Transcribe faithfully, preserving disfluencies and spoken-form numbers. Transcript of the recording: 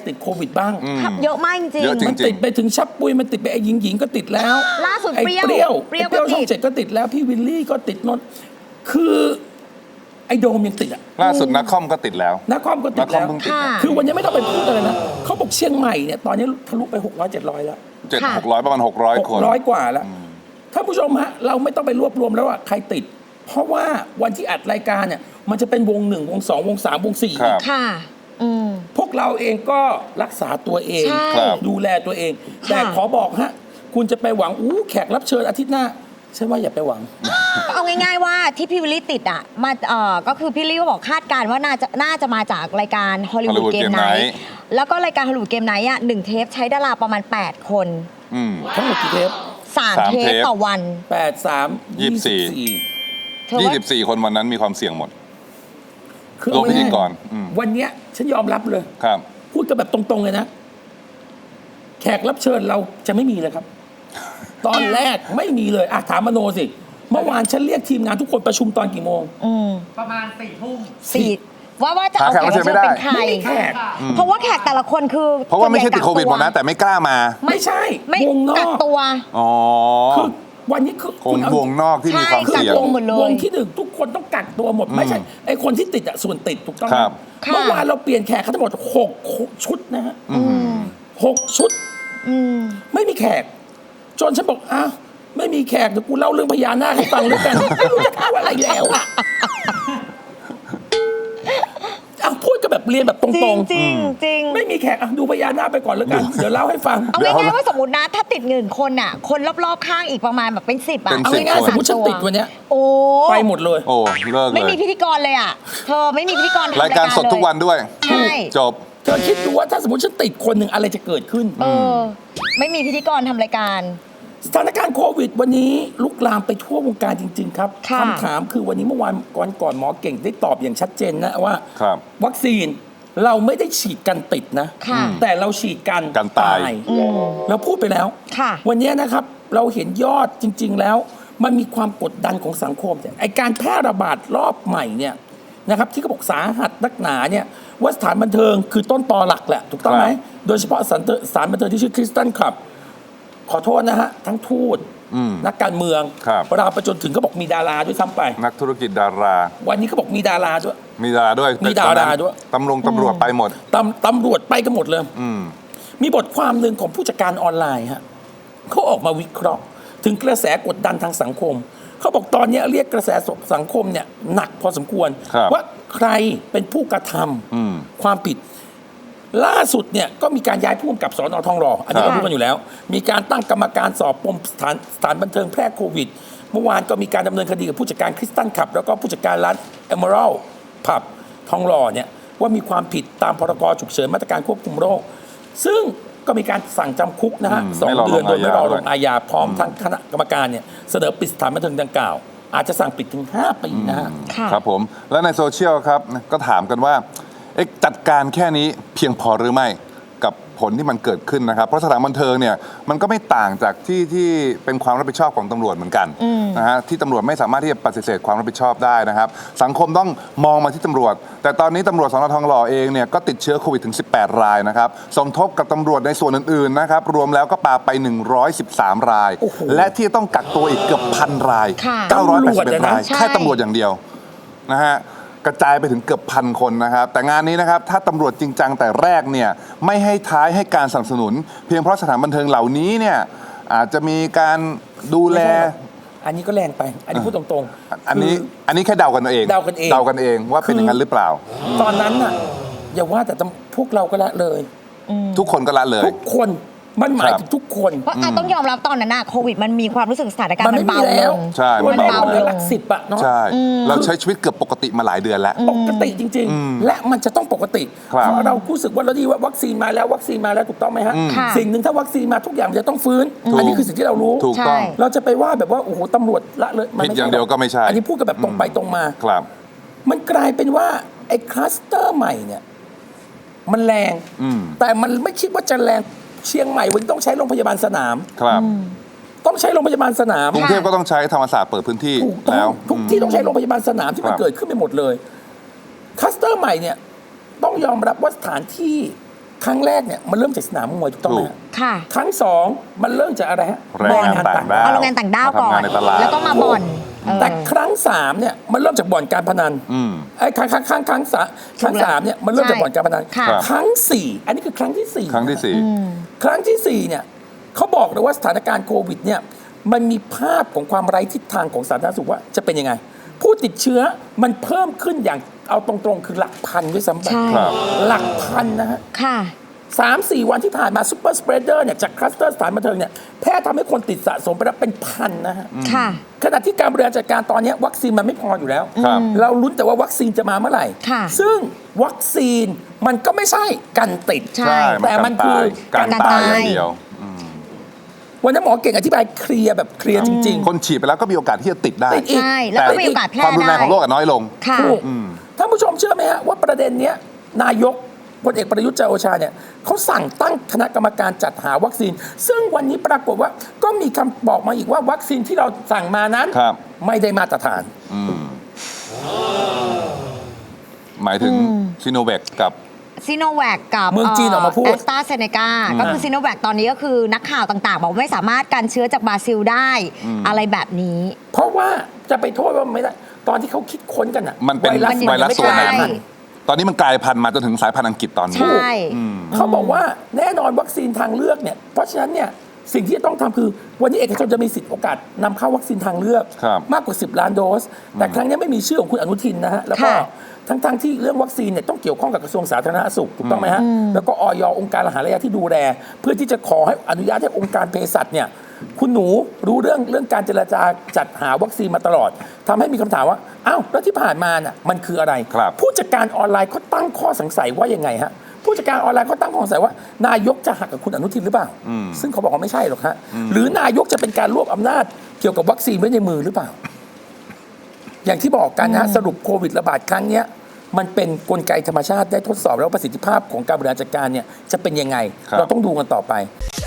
ติดโควิดบ้างเยอะมากจริงมันติดไปถึงชับปุยมันติดไปไอ้หญิงหญิงก็ติดแล้วล่าสุดไอ้เปรี้ยวเปรี้ยวเปรี้ยวช่องเจ็ดก็ติดแล้วพี่วิลลี่ก็ติดนนคือไอ้โดมยังติดอ่ะล่าสุดนักคอมก็ติดแล้วนักคอมก็ติดแล้วคือวันนี้ไม่ต้องไปพูดอะไรนะเขาบอกเชียงใหม่เนี่ยตอนนี้ทะลุไปหกร้อยเจ็ดร้อยแล้วเจ็ดหกร้อยประมาณหกร้อยคนร้อยกว่าแล้วท่านผู้ชมฮะเราไม่ต้องไปรวบรวมแล้วว่าใครติดเพราะว่าวันที่อัดรายการเนี่ยมันจะเป็นวงหนึ่งวงสองวงสามวงสี่ค่ะพวกเราเองก็รักษาตัวเองดูแลตัวเองแต่ขอบอกฮะคุณจะไปหวังอู้แขกรับเชิญอาทิตย์หน้าฉันว่าอย่าไปหวังเอาง่ายๆว่าที่พี่วิลลี่ติดอ่ะมาเอ่อก็คือพี่วิลลี่ก็บอกคาดการณ์ว่าน่าจะน่าจะมาจากรายการฮอลลีวูดเกมไนท์แล้วก็รายการฮอลลีวูดเกมไนท์อ่ะหนึ่งเทปใช้ดาราประมาณแปดคนทั้งหมดกี่เทปสามเทปต่อวันแปดสามยี่สิบสี่ยี่สิบสี่คนวันนั้นมีความเสี่ยงหมดคือพิธีกรวันนี้ฉันยอมรับเลยครับพูดกันแบบตรงๆเลยนะแขกรับเชิญเราจะไม่มีเลยครับตอนแรกไม่มีเลยอ่ะถามมโนสิเมื่อวานฉันเรียกทีมงานทุกคนประชุมตอนกี่โมงประมาณสี่ทุ่มสี่ว่าว่าจะเอาแขกรับเชิญเป็นใครเพราะว่าแขกแต่ละคนคือเพราะว่าไม่ใช่ติดโควิดหมดนะแต่ไม่กล้ามาไม่ใช่วงนอกตัวอ๋อคือวันนี้คือคุณวงนอกที่มีความเสี่ยงวงที่หนึ่งทุกคนต้องกักตัวหมดไม่ใช่ไอคนที่ติดอ่ะส่วนติดถูกต้องไหมเมื่อวานเราเปลี่ยนแขกทั้งหมดหกชุดนะฮะหกชุดไม่มีแขกจนฉันบอกอ้าวไม่มีแขกเดี๋ยวกูเล่าเรื่องพญานาคให้ฟังด้วยกันไม่รู้จะเล่าอะไรแล้วอ่ะเอาพูดกันแบบเรียนแบบตรงๆจริงจริงไม่มีแขกดูพญานาคไปก่อนแล้วกันเดี๋ยวเล่าให้ฟังเอาง่ายๆว่าสมมตินะถ้าติดหนึ่งคนอ่ะคนรอบๆข้างอีกประมาณแบบเป็นสิบอ่ะเอาง่ายๆสมมติฉันติดวันเนี้ยโอ้ไปหมดเลยโอ้เลิกเลยไม่มีพิธีกรเลยอ่ะเธอไม่มีพิธีกรรายการสดทุกวันด้วยใช่จบเธอคิดดูว่าถ้าสมมติฉันติดคนหนึ่งอะไรจะเกิดขึ้นเออไม่มีพิธีกรทำรายการสถานการณ์โควิดวันนี้ลุกลามไปทั่ววงการจริงๆครับคำถามคือวันนี้เมื่อวานก่อนก่อนหมอเก่งได้ตอบอย่างชัดเจนนะว่าวัคซีนเราไม่ได้ฉีดกันติดนะแต่เราฉีดกันกันตายเราพูดไปแล้ววันนี้นะครับเราเห็นยอดจริงๆแล้วมันมีความกดดันของสังคมไอการแพร่ระบาดรอบใหม่เนี่ยนะครับที่เขาบอกสาหัสนักหนาเนี่ยว่าสถานบันเทิงคือต้นตอหลักแหละถูกต้องไหมโดยเฉพาะสถานบันเทิงที่ชื่อคริสตัลคลับขอโทษนะฮะทั้งทูตนักการเมืองเราไปจนถึงก็บอกมีดาราด้วยซ้ำไปนักธุรกิจดาราวันนี้เขาบอกมีดาราด้วยมีดาราด้วยมีดาราด้วยตำรวจตำรวจไปหมดตำตำรวจไปกันหมดเลยมีบทความหนึ่งของผู้จัดการออนไลน์ฮะเขาออกมาวิเคราะห์ถึงกระแสกดดันทางสังคมเขาบอกตอนนี้เรียกกระแสสังคมเนี่ยหนักพอสมควรว่าใครเป็นผู้กระทำความผิดล่าสุดเนี่ยก็มีการย้ายผู้กำกับสน.ทองหล่ออันนี้เรารู้กันอยู่แล้วมีการตั้งกรรมการสอบปมสถานสถานบันเทิงแพร่โควิดเมื่อวานก็มีการดำเนินคดีกับผู้จัดการคริสตัลคลับแล้วก็ผู้จัดการร้านเอเมอรัลด์ผับทองหล่อเนี่ยว่ามีความผิดตามพรกฉุกเฉินมาตรการควบคุมโรคซึ่งก็มีการสั่งจำคุกนะฮะสองเดือนโดยไม่รอลงอาญาพร้อมทั้งคณะกรรมการเนี่ยเสนอปิดสถานบันเทิงดังกล่าวอาจจะสั่งปิดถึงห้าปีนะฮะครับผมแล้วในโซเชียลครับก็ถามกันว่าจัดการแค่นี้เพียงพอหรือไม่กับผลที่มันเกิดขึ้นนะครับเพราะสถานบันเทิงเนี่ยมันก็ไม่ต่างจากที่ที่เป็นความรับผิดชอบของตำรวจเหมือนกันนะฮะที่ตำรวจไม่สามารถที่จะปฏิเสธความรับผิดชอบได้นะครับสังคมต้องมองมาที่ตำรวจแต่ตอนนี้ตำรวจสน.ทองหล่อเองเนี่ยก็ติดเชื้อโควิดถึงสิบแปดรายนะครับสมทบกับตำรวจในส่วนอื่นๆนะครับรวมแล้วก็ปาไปหนึ่งร้อยสิบสามรายและที่ต้องกักตัวอีกเกือบพันรายเก้าร้อยแปดสิบเอ็ดรายแค่ตำรวจอย่างเดียวนะฮะกระจายไปถึงเกือบพันคนนะครับแต่งานนี้นะครับถ้าตำรวจจริงจังแต่แรกเนี่ยไม่ให้ท้ายให้การสนับสนุนเพียงเพราะสถานบันเทิงเหล่านี้เนี่ยอาจจะมีการดูแลอันนี้ก็แรงไปอันนี้พูดตรงๆอันนี้อันนี้แค่เดากันเองเดากันเองเดากันเองว่าเป็นอย่างนั้นหรือเปล่าตอนนั้นน่ะอย่าว่าแต่พวกเราก็ละเลยทุกคนก็ละเลยทุกคนมันหมายถึงทุกคนเพราะต้องยอมรับตอนนั้นนะโควิดมันมีความรู้สึกสถานการณ์มันเบาแล้วใช่มันเบาเลยหลักสิบอะเนาะใช่เราใช้ชีวิตเกือบปกติมาหลายเดือนแล้วปกติจริงๆและมันจะต้องปกติเพราะเรารู้สึกว่าเราดีว่าวัคซีนมาแล้ววัคซีนมาแล้วถูกต้องไหมฮะสิ่งหนึ่งถ้าวัคซีนมาทุกอย่างจะต้องฟื้นอันนี้คือสิ่งที่เรารู้ถูกต้องเราจะไปว่าแบบว่าโอ้โหตำรวจละเลยผิดอย่างเดียวก็ไม่ใช่อันนี้พูดกันแบบตรงไปตรงมาครับมันกลายเป็นว่าไอ้คลัสเตอร์ใหม่เนี่ยมันแรงแต่มันไม่คิดว่าจะแรงเชียงใหม่วันนี้ต้องใช้โรงพยาบาลสนามครับต้องใช้โรงพยาบาลสนามกรุงเทพก็ต้องใช้ธรรมศาสตร์เปิดพื้นที่แล้วทุกที่ต้องใช้โรงพยาบาลสนามที่มันเกิดขึ้นไปหมดเลยคลัสเตอร์ใหม่เนี่ยต้องยอมรับว่าสถานที่ครั้งแรกเนี่ยมันเริ่มจากสนามมวยถูกต้องไหมถูกฮะค่ะครั้งสองมันเริ่มจากอะไรฮะแรงงานต่างด้าวเอาโรงงานต่างด้าวก่อมทำงานนในตลาดแล้วก็มาบ่อนเออแต่ครั้งสามเนี่ยมันเริ่มจากบ่อนการพนันอืมไอ้ครั้งครั้งครั้งครั้งสามครั้งสามเนี่ยมันเริ่มจากบ่อนการพนันค่ะครั้งสี่อันนี้คือครั้งที่สี่ครั้งที่สี่ครั้งที่สี่เนี่ยเขาบอกเลยว่าสถานการณ์โควิดเนี่ยมันมีภาพของความไร้ทิศทางของสาธารณสุขว่าจะเป็นยังไง ผู้ติดเชื้อมันเพิ่มขึ้นอย่างเอาตรงๆ คือหลักพันด้วยซ้ำไปใช่ครับหลักพันนะฮะค่ะสามสี่วันที่ผ่านมาซูเปอร์สเปรดเดอร์เนี่ยจากคลัสเตอร์สถานบันเทิงเนี่ยแพทย์ทำให้คนติดสะสมไปแล้วเป็นพันนะฮะค่ะขณะที่การบริหารจัดการตอนนี้วัคซีนมันไม่พออยู่แล้วครับเราลุ้นแต่ว่าวัคซีนจะมาเมื่อไหร่ค่ะซึ่งวัคซีนมันก็ไม่ใช่กันติดใช่แต่มันคือการการตายตายอย่างเดียววันนั้นหมอเก่งอธิบายเคลียร์แบบเคลียร์จริงคนฉีดไปแล้วก็มีโอกาสที่จะติดได้ติดอีกใช่ แล้วก็มีโอกาสแพร่ความรุนแรได้งของโรคอะน้อยลงค่ะถูกท่านผู้ชมเชื่อไหมฮะว่าประเด็นเนี้ยนายกพลเอกประยุทธ์จันทร์โอชาเนี่ยเขาสั่งตั้งคณะกรรมการจัดหาวัคซีน ซึ่งวันนี้ปรากฏว่าก็มีคำบอกมาอีกว่าวัคซีนที่เราสั่งมานั้นครับไม่ได้มาตรฐานหมายถึงซิโนแวคกับซีโนแวคกับเมืองจีนออกมาพูดแอสตราเซเนกาก็คือซีโนแวคตอนนี้ก็คือนักข่าวต่างๆ บอกว่าไม่สามารถกันเชื้อจากบราซิลได้ อะไรแบบนี้เพราะว่าจะไปโทษว่าไม่ได้ตอนที่เขาคิดค้นกันอะมันเป็นไวรัสไวรัสมันยังตัวไม่นั้นกลายพันธุ์ตอนนี้มันกลายพันธุ์มาจนถึงสายพันธุ์อังกฤษตอนนี้ใช่เขาบอกว่าแน่นอนวัคซีนทางเลือกเนี่ยเพราะฉะนั้นเนี่ยสิ่งที่จะต้องทำคือวันนี้เอกชนจะมีสิทธิ์โอกาสนำเข้าวัคซีนทางเลือกครับมากกว่า สิบ ล้านโดส แต่ครั้งนี้ไม่มีชื่อของคุณอนุทินนะฮะแล้วก็ค่ะทั้งๆที่เรื่องวัคซีนเนี่ยต้องเกี่ยวข้องกับกระทรวงสาธารณสุขถูกต้องไหมฮะแล้วก็ออยองค์การอาหารและยาที่ดูแล เพื่อที่จะขอให้อนุญาตให้องค์การเภสัชเนี่ยคุณหนูรู้เรื่องเรื่องการเจรจาจัดหาวัคซีนมาตลอดทำให้มีคำถามว่าอ้าวแล้วที่ผ่านมาน่ะมันคืออะไรครับผู้จัดการออนไลน์เขาตั้งข้อสงสัยว่ายังไงฮะผู้จัดการออนไลน์เขาตั้งข้อสงสัยว่านายกจะหักกับคุณอนุทินหรือเปล่า ซึ่งเขาบอกว่าไม่ใช่หรอกฮะหรือนายกจะเป็นการรวบอำนาจเกี่ยวกับวัคซีนไว้ในมือหรือเปล่า อย่างที่บอกกันนะฮะสรุปโควิดระบาดครั้งเนี้ยมันเป็นกลไกธรรมชาติได้ทดสอบแล้วประสิทธิภาพของการบริหารจัดการเนี่ยจะเป็นยังไงครับเราต้องดูกันต่อไป